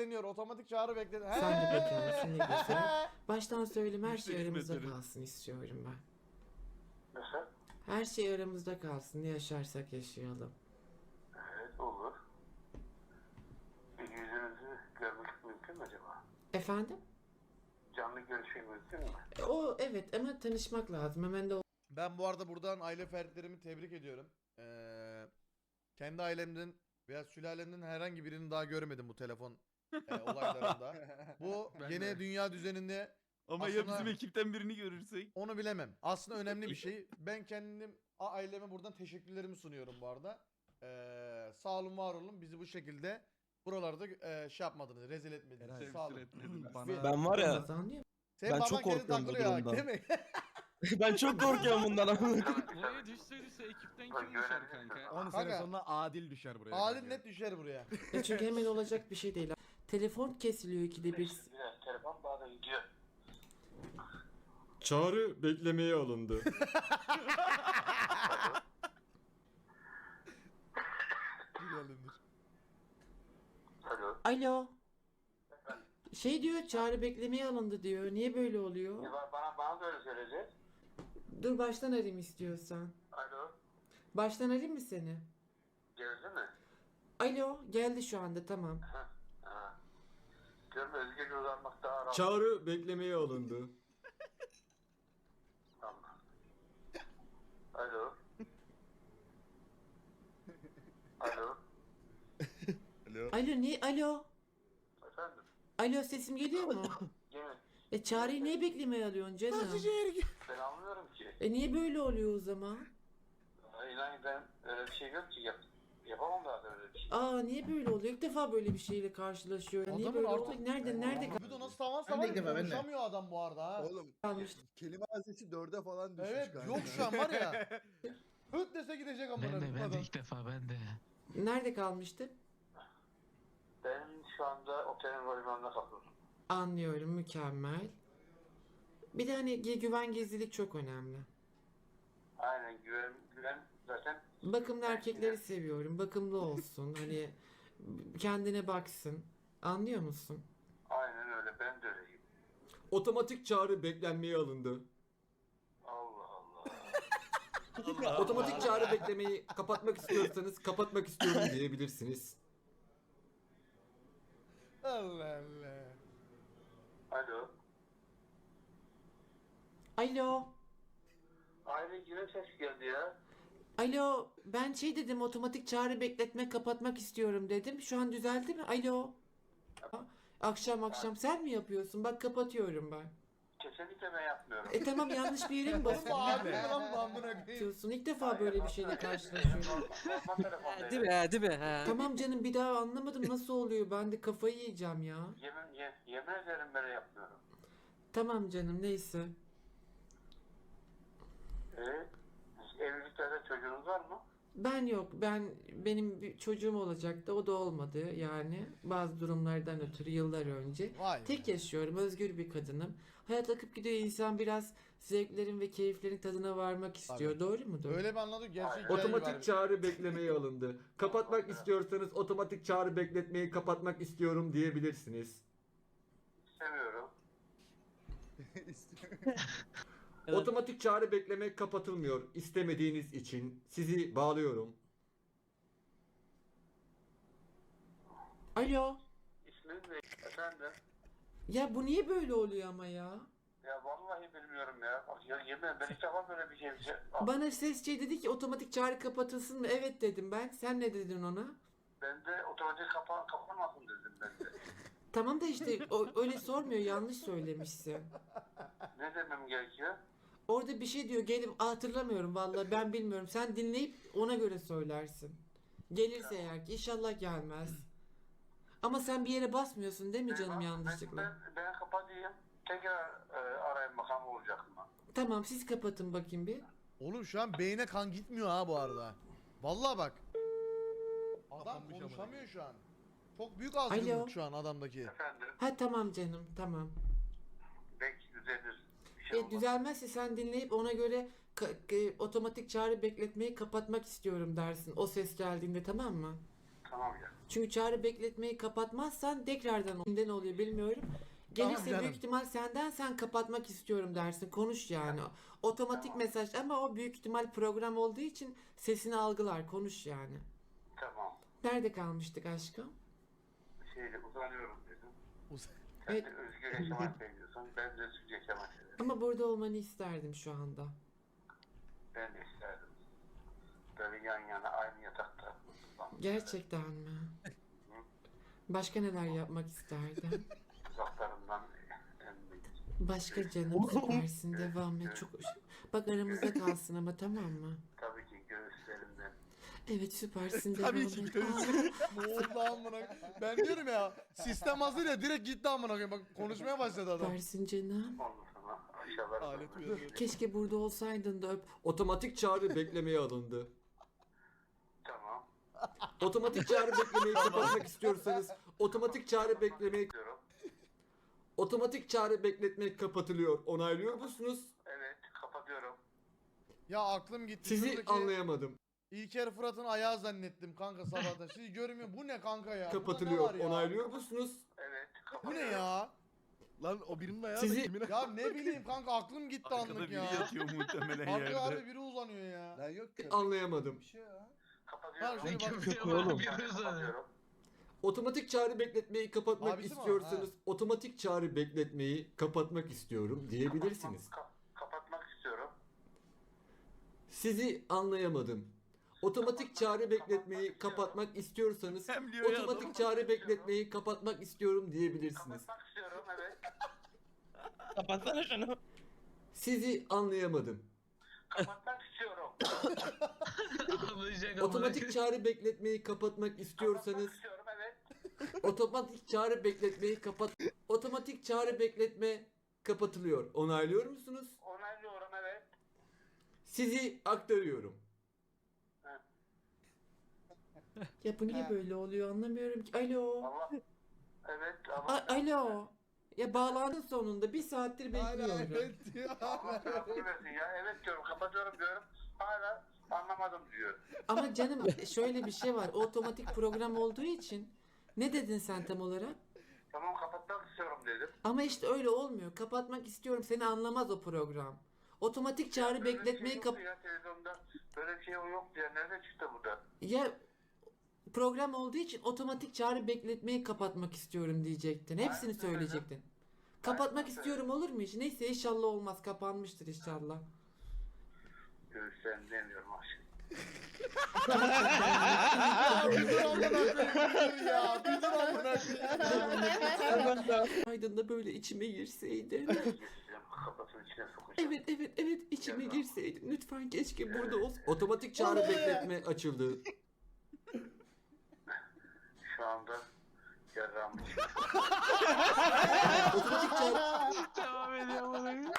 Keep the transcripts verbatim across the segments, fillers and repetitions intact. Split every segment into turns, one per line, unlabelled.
bekleniyor. Otomatik çağrı bekleniyor.
Sen de bekarsın, ne güzel. Baştan söyleyeyim, her şey aramızda kalsın istiyorum ben.
Nasıl?
Her şey aramızda kalsın. Ne yaşarsak yaşayalım.
Evet, olur. Bir yüzünüzü görmek mümkün mü acaba?
Efendim?
Canlı görüşmek mümkün mü?
E, O evet, ama tanışmak lazım. Hemen de
Ben bu arada buradan aile fertlerimi tebrik ediyorum. Ee, kendi ailemden veya sülalemden herhangi birini daha görmedim bu telefon e, olaylarında. Bu
Ben
yeni
de.
dünya düzeninde
Ama ya
Aslında-
bizim ekipten birini görürsek?
onu bilemem. Aslında önemli bir şey. Ben kendim a- aileme buradan teşekkürlerimi sunuyorum bu arada. Ee, sağ olun, var olun. Bizi bu şekilde buralarda e, şey yapmadınız, rezil etmediniz.
Temsil
Sağ olun.
etmediler.
Bana- Ben var ya,
olmaz, anlıyor musun?
Senin
Ben
baban
çok
kendi
korkuyorum bu
takılıyor ha,
durumdan.
değil mi?
ben çok korkuyorum bundan ama.
Buraya düşse düşse ekipten
Bak,
kim düşer
görebilirsin.
kanka?
on
Kanka.
sene sonra Adil düşer buraya.
Adil
kanka.
net düşer buraya.
E çünkü hemen olacak bir şey değil. Telefon kesiliyor ikide bir.
Biraz telefon bazen gidiyor.
Çağrı beklemeye alındı.
Alo.
Alo.
Efendim?
Şey diyor, çağrı beklemeye alındı diyor. Niye böyle oluyor?
Ya Bana, bana da öyle söyleyecek.
Dur baştan arayayım istiyorsan.
Alo.
Baştan arayayım mı seni?
Geldi mi?
Alo, geldi şu anda, tamam.
Ha. Ha. Diyorum özgürce uzanmak daha rahat.
Çağrı beklemeye alındı.
Tamam. Alo. Alo.
Alo, niye? Alo.
Efendim?
Alo, sesim geliyor mu?
Yemin.
E çağrıyı niye beklemeye alıyorsun canım?
Ben anlamıyorum ki.
E niye böyle oluyor o zaman?
İnan ben öyle bir şey yok ki. Yap, yapamam zaten öyle bir şey.
Aa, niye böyle oluyor? İlk defa böyle bir şeyle karşılaşıyor. Niye
Adamın
böyle
artık-
oluyor? Nerede, nerede
Bir de nasıl tavan
Ben de
tavan
ilk defa, ben de.
konuşamıyor adam bu arada ha.
Oğlum
kalmış?
kelime haznesi dörde falan düşmüş
Evet,
kanka.
yok şu an var ya. Höt dese gidecek amına
Ben de ben de
adam.
ilk defa ben de.
Nerede kalmıştı?
Ben şu anda otelin volümünde kalıyorum.
Anlıyorum, mükemmel. Bir de hani gü- güven gizlilik çok önemli.
Aynen güven, güven zaten
Bakımlı erkekleri seviyorum. Bakımlı olsun. Hani kendine baksın. Anlıyor musun?
aynen öyle, ben de öyleyim.
Otomatik çağrı beklenmeye alındı.
Allah Allah.
Otomatik çağrı beklemeyi kapatmak istiyorsanız kapatmak istiyorum diyebilirsiniz.
Allah Allah.
Alo.
Alo.
Aile güven ses geldi ya.
Alo. Ben şey dedim, otomatik çağrı bekletme kapatmak istiyorum dedim. Şu an düzeldi mi? Alo. Akşam akşam sen mi yapıyorsun? Bak kapatıyorum ben.
Kesinlikle ben yapmıyorum.
E tamam, yanlış bir yere mi
Oğlum bu
basıyorsun?
abi lan bu amına koyayım.
Basıyorsun. İlk defa böyle bir şeyle karşılaşıyorum.
Normal telefondayım.
Değil mi ha, değil mi ha?
Tamam canım, bir daha anlamadım nasıl oluyor. Ben de kafayı yiyeceğim ya.
Yemin, ye, yemin ederim ben yapmıyorum.
Tamam canım, neyse.
Ee, evliliklerde çocuğunuz var mı?
Ben yok. Ben benim bir çocuğum olacaktı. O da olmadı yani. Bazı durumlardan ötürü yıllar önce.
Vay be.
Tek yaşıyorum. Özgür bir kadınım. Hayat akıp gidiyor. İnsan biraz zevklerin ve keyiflerin tadına varmak istiyor.
Tabii.
Doğru mudur?
Öyle bir anladık gerçek hikaye
Otomatik
var.
çağrı beklemeye alındı. Kapatmak istiyorsanız otomatik çağrı bekletmeyi kapatmak istiyorum diyebilirsiniz.
İstemiyorum.
Otomatik çağrı bekleme kapatılmıyor istemediğiniz için. Sizi bağlıyorum.
Alo.
İsmin ne? Efendim?
Ya bu niye böyle oluyor ama ya?
Ya vallahi bilmiyorum ya. Bak ya yemin ederim ben hiç defa böyle bir şey... bir şey-
Bana sesçi dedi ki otomatik çağrı kapatılsın mı? Evet dedim ben. Sen ne dedin ona?
Ben de otomatik kapa kapanmasın dedim ben de.
Tamam da işte o, öyle sormuyor. Yanlış söylemişsin.
Ne demem gerekiyor?
Orada bir şey diyor. Gelip hatırlamıyorum vallahi, ben bilmiyorum. Sen dinleyip ona göre söylersin. Gelirse eğer ki, inşallah gelmez. Ama sen bir yere basmıyorsun değil mi canım,
Ben-
yanlışlıkla?
Ben, ben, ben kapatayım. Tekrar e, arayın bakalım olacak mı?
Tamam, siz kapatın bakayım bir.
Oğlum şu an beyne kan gitmiyor ha bu arada. Vallahi bak. Adam
Kapanmış
konuşamıyor şu an. Çok büyük
Alo.
azgınlık şu an adamdaki.
Efendim?
Ha tamam canım, tamam.
Belki düzelir. Bir şey
E,
olmaz.
düzelmezse sen dinleyip ona göre ka- e, otomatik çağrı bekletmeyi kapatmak istiyorum dersin. O ses geldiğinde, tamam mı?
Tamam ya.
Çünkü çağrı bekletmeyi kapatmazsan tekrardan neden oluyor bilmiyorum. Gelirse
canım.
büyük ihtimal senden sen kapatmak istiyorum dersin. Konuş yani. Otomatik mesaj ama o büyük ihtimal program olduğu için sesini algılar. Konuş yani.
Tamam.
Nerede kalmıştık aşkım?
Şeyde uzanıyorum dedim.
Uz-
Sen
Evet.
de özgür yaşamak seviyorsun. Ben de özgür yaşamak seviyorum.
Ama burada olmanı isterdim şu anda.
Ben de isterdim. Böyle yan yana aynı yatakta. uzanmak
Gerçekten mi? Başka neler yapmak isterdin?
isterdim. Uzaklarından emmek.
Başka canım süpersin devam et çok bak aramızda kalsın ama tamam mı?
Tabii ki göğüslerinden.
Evet süpersin devam
Tabii ki
et.
görürsün. Ne oldu amına? Ben diyorum ya sistem hazır ya direkt gitti amına koyayım. Bak konuşmaya başladı
Aa,
adam.
süpersin canım.
Ondan sonra aşağılara
Alet
doğru
uyanıyor.
Keşke burada olsaydın da öp.
Otomatik çağrı beklemeye alındı.
Tamam.
Otomatik çağrı beklemeyi kapatmak istiyorsanız otomatik çağrı beklemeyi
Diyorum.
otomatik çağrı bekletmek kapatılıyor. Onaylıyor musunuz?
Evet, kapatıyorum.
Ya aklım gitti.
Sizi
Şuradaki
anlayamadım.
İlker Fırat'ın ayağı zannettim kanka sabahtan. Sizi görmüyor. Bu ne kanka ya? Burada ne
Kapatılıyor.
var ya?
Onaylıyor musunuz?
Evet,
Bu
kapatıyorum.
ne ya?
Lan o birinin ayağı
Sizi-
da kimin ayağı?
Ya ne bileyim kanka aklım gitti
Arkada
anlık
biri
ya.
yatıyor muhtemelen
Arkada
yerde.
abi biri uzanıyor ya.
Lan yok köpek
Anlayamadım.
bir şey ya.
Kapatıyorum.
Ha, şöyle bak-
Köpeğe
Oğlum.
bak bir uzanıyor.
Kapatıyorum.
Otomatik çağrı bekletmeyi kapatmak
Abisi mi o?
istiyorsanız otomatik çağrı bekletmeyi kapatmak istiyorum diyebilirsiniz.
Kapatmak, kap- kapatmak istiyorum.
Sizi anlayamadım. Otomatik çağrı bekletmeyi kapatmak istiyorsanız
Hem diyor ya adam.
otomatik çağrı bekletmeyi kapatmak istiyorum diyebilirsiniz.
Kapatmak istiyorum, evet.
Kapatsana şunu.
Sizi anlayamadım.
Kapatmak istiyorum.
Ağlayacak ama.
Otomatik çağrı bekletmeyi kapatmak istiyorsanız
Kapatmak istiyorum, evet.
otomatik çağrı bekletmeyi kapat otomatik çağrı bekletme kapatılıyor. Onaylıyor musunuz?
Onaylıyorum, evet.
Sizi aktarıyorum.
Ya bu niye böyle oluyor anlamıyorum ki. Alo.
Allah. Evet,
A-
ama...
alo. Ya bağlandın sonunda bir saattir
Hala
bekliyorum.
evet diyor.
Allah tarafını versin ya. Evet diyorum, kapatıyorum diyorum. Hala anlamadım diyor.
Ama canım şöyle bir şey var. O otomatik program olduğu için ne dedin sen tam olarak?
Tamam, kapatmak istiyorum dedim.
Ama işte öyle olmuyor. Kapatmak istiyorum. Seni anlamaz o program. Otomatik çağrı
Böyle bir
bekletmeyi
şey
kap...
yoktu ya televizyonda. Böyle bir şey yok diye. Nerede çıktı bu da?
Ya program olduğu için otomatik çağrı bekletmeyi kapatmak istiyorum diyecektin. Hepsini
Aynen öyle.
söyleyecektin. Kapatmak
Aynen
istiyorum olur mu hiç? Neyse inşallah olmaz. Kapanmıştır inşallah.
Göğüslerini demiyorum aşkım.
Ya bir dur amına koyayım bir dur ya. Bir dur amına koyayım.
Aydın da böyle içime girseydin.
Geçeceğim, kafasının içine sokacağım.
Evet evet evet içime girseydin. Lütfen keşke burada olsa.
Otomatik çağrı bekletme açıldı.
Şu anda yarrağımı
Otomatik çağrı
Devam ediyor bana.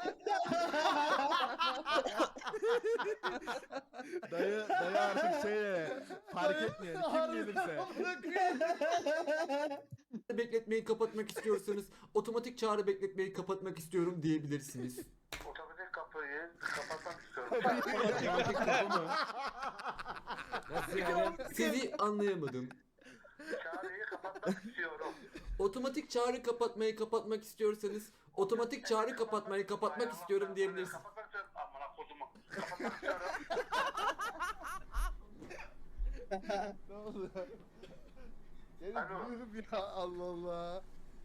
Dayı, dayı artık şeye fark etmeyen kim gelirse.
Amına koyayım.
bekletmeyi kapatmak istiyorsanız otomatik çağrı bekletmeyi kapatmak istiyorum diyebilirsiniz.
otomatik kapıyı kapatmak istiyorum.
Otomatik kapı mı?
Nasıl yani?
Sizi anlayamadım.
Çağrıyı kapatmak istiyorum.
Otomatik çağrı kapatmayı kapatmak istiyorsanız otomatik çağrı kapatmayı kapatmak istiyorum diyebilirsiniz.
Kapatmak istiyorum. Amına kodumu. Kapatmak istiyorum.
Ne oldu? Gelin
Alo.
buyurun ya Allah Allah.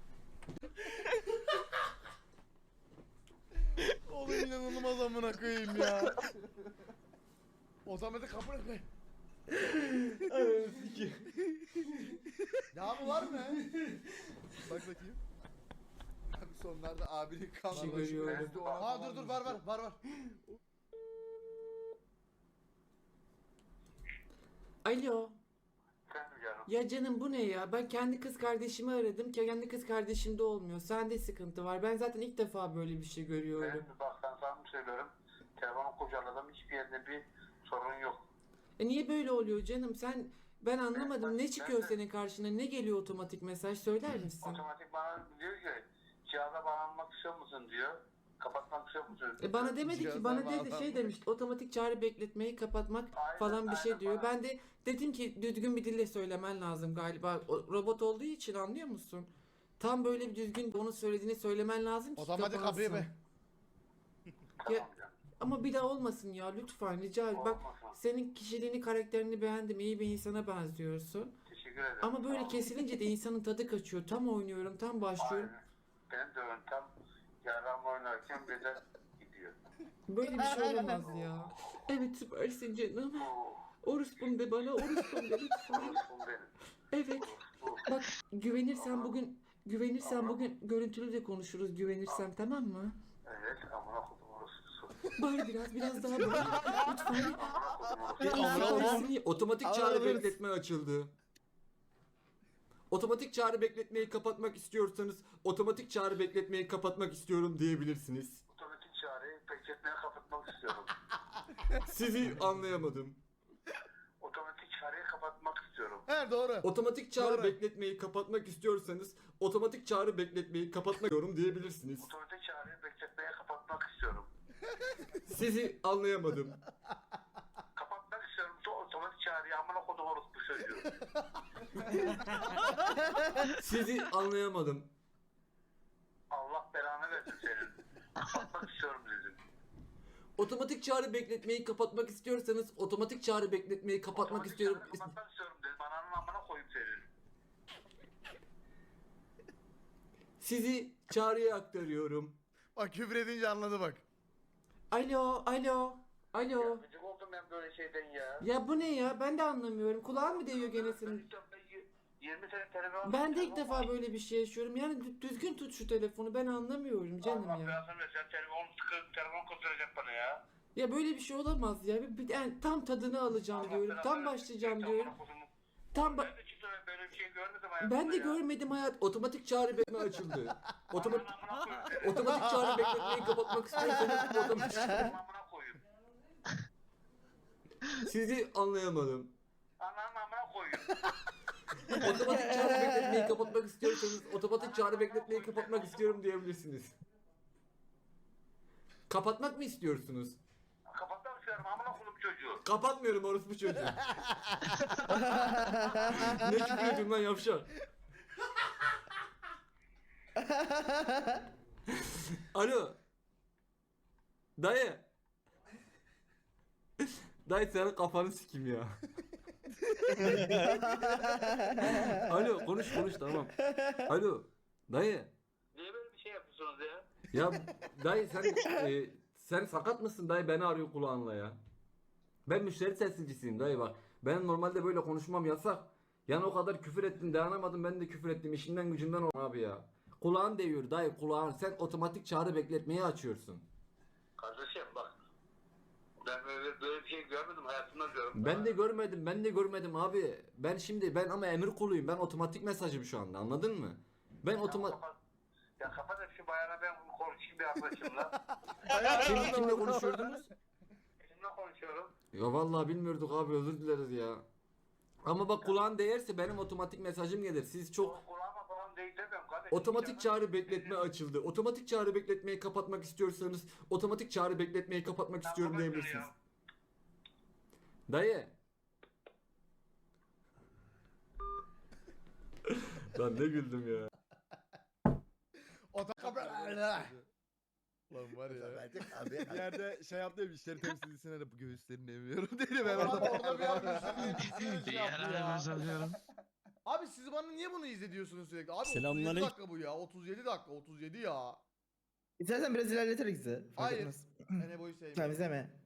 Oğlum inanılmaz amına koyayım ya. Otomatik kapı ne? Ya bu var mı?
Bak bakayım. Abi sonlarda abinin
Şey
kanlı
görüyorum.
Ha dur dur var var var var.
Alo.
Sen canım.
Ya canım bu ne ya? Ben kendi kız kardeşimi aradım. Kendi kız kardeşimde olmuyor. Sende sıkıntı var. Ben zaten ilk defa böyle bir şey görüyorum.
Ben bak sen sana mı söylüyorum. Telefonu kurcaladım. Hiçbir yerde bir sorun yok.
E niye böyle oluyor canım? Sen ben anlamadım. Ne çıkıyor senin karşına? Ne geliyor otomatik mesaj? Söyler misin?
Otomatik bana diyor ki cihaza bağlanmak istiyor musun diyor. Kapatmak istiyor musunuz?
E bana demedi ki,
Cihazlar
bana dedi
bağlandı.
şey demiş, otomatik çağrı bekletmeyi kapatmak
Aynen,
falan bir şey
aynen
diyor.
bana.
Ben de dedim ki düzgün bir dille söylemen lazım galiba. O, robot olduğu için anlıyor musun? Tam böyle bir düzgün onun söylediğini söylemen lazım ki
Otomatik
kapansın.
kapıyı be.
Tamam canım.
Ama bir daha olmasın ya lütfen rica ederim. Bak
Olmasın.
senin kişiliğini, karakterini beğendim. İyi bir insana benziyorsun.
Teşekkür ederim.
Ama böyle
Tamam.
kesilince de insanın tadı kaçıyor. Tam oynuyorum, tam başlıyorum.
Aynen. Benim de yöntem yaram oynarken birden gidiyor.
Böyle bir şey olamaz ya. Evet süpersin canım.
Oh,
Orospum de bana, orospum de lütfen.
orospu benim.
Evet.
Orospu.
Bak güvenirsen bugün güvenirsen bugün görüntülü de konuşuruz güvenirsem, tamam mı?
Evet, amına kodum orospusu.
Bari biraz biraz daha böyle. Lütfen.
Amına kodum orospusu.
Amına kodum.
Süpersin.
Otomatik
Ama
çağrı
alırız.
bekletme açıldı. Otomatik çağrı bekletmeyi kapatmak istiyorsanız otomatik çağrı bekletmeyi kapatmak istiyorum diyebilirsiniz.
Otomatik çağrıyı bekletmeye kapatmak istiyorum.
Sizi anlayamadım.
Otomatik çağrıyı kapatmak istiyorum.
He doğru.
Otomatik çağrı
Doğru.
bekletmeyi kapatmak istiyorsanız otomatik çağrı bekletmeyi kapatmak istiyorum diyebilirsiniz.
Otomatik çağrıyı bekletmeye kapatmak istiyorum.
Sizi anlayamadım.
Kapatmak istiyorum. To- Otomatik çağrıyı amına kodum orospu çocuğu.
Sizi anlayamadım.
Allah belanı versin senin. Kapatmak istiyorum dedim.
Otomatik çağrı bekletmeyi kapatmak istiyorsanız otomatik çağrı bekletmeyi kapatmak
Otomatik
istiyorum.
çağrıyı kapatmak istiyorum dedim. Ananın amına koyayım senin.
Sizi çağrıya aktarıyorum.
Bak küfür edince anladı bak.
Alo, alo, alo.
Ya gıcık oldum ben böyle şeyden ya.
Ya bu ne ya? Ben de anlamıyorum. Kulağın mı değiyor gene senin?
yirmi sene telefon.
Ben de ilk defa böyle bir şey yaşıyorum. Yani dü- düzgün tut şu telefonu. Ben anlamıyorum canım
Allah
ya.
belasını versin. Sen telefon sıkı telefon kızdıracak bana ya.
Ya böyle bir şey olamaz ya. Bir, bir- yani tam tadını alacağım
Allah
diyorum.
belanı
Tam
versin.
başlayacağım
Sen
diyorum.
amına kodumun-
Tam ba-
Ben de çıktı böyle bir şey görmedim hayatımda
ben de
ya.
görmedim hayat.
Otomatik çağrı bekletme açıldı. Otomatik
Ananın amına koyayım seni.
otomatik çağrı bekletmeyi kapatmak istiyorsanız otomatik
Ananın amına koyayım.
sizi anlayamadım.
Ananın amına koyayım.
Otomatik çağrı bekletmeyi kapatmak istiyorsanız otomatik çağrı bekletmeyi kapatmak istiyorum diyebilirsiniz. Kapatmak mı istiyorsunuz?
Kapatmak istiyorum amına koyayım çocuğu.
Kapatmıyorum orospu çocuğu. Ne çıkıyordun lan yavşak? Alo. Dayı. Dayı senin kafanı sikim ya. Alo konuş konuş tamam. Alo. Dayı.
Niye böyle bir şey yapıyorsunuz ya?
Ya dayı sen e, sen sakat mısın dayı, beni arıyor kulağınla ya. Ben müşteri temsilcisiyim dayı bak. Ben normalde böyle konuşmam yasak. Yani o kadar küfür ettin dayanamadım, ben de küfür ettim, işimden gücümden ol abi ya. Kulağın değiyor dayı kulağın, sen otomatik çağrı bekletmeyi açıyorsun.
Kardeşim bak. Ben böyle, böyle bir şey görmedim hayatımda diyorum.
Ben de görmedim ben de görmedim abi. Ben şimdi ben ama emir kuluyum, ben otomatik mesajım şu anda, anladın mı? Ben otomatik...
Kapat. Ya kapat hep şu bayana, ben konuşayım bir arkadaşımla.
Şimdi kimle konuşuyordunuz?
Kimle konuşuyorum?
Ya vallahi bilmiyorduk abi, özür dileriz ya. Ama bak kulağın değerse benim otomatik mesajım gelir. Siz çok
O kulağıma falan değil demiyorum kardeşim.
otomatik
Canım.
çağrı bekletme açıldı. Otomatik çağrı bekletmeyi kapatmak istiyorsanız otomatik çağrı bekletmeyi kapatmak
Ya
istiyorum
kapat şunu
diyebilirsiniz.
ya.
Dayı. Lan ne güldüm ya.
Otomatik. Lan var ya.
Abi bir yerde şey yaptı ya, müşteri temsilcisine de bu göğüslerini emiyorum dedi. Ben
Ulan
orada
orada bir an üzüldüm, şey yaptı ya.
Yararımız alıyorum.
Abi siz bana niye bunu izletiyorsunuz sürekli? Abi otuz yedi
Selamünaleyküm.
dakika bu ya. otuz yedi dakika. otuz yedi ya.
İstersen biraz ilerleterek izle. Fark
Hayır.
etmez.
Ben Ebo'yu sevmiyorum.
Tamam izleme.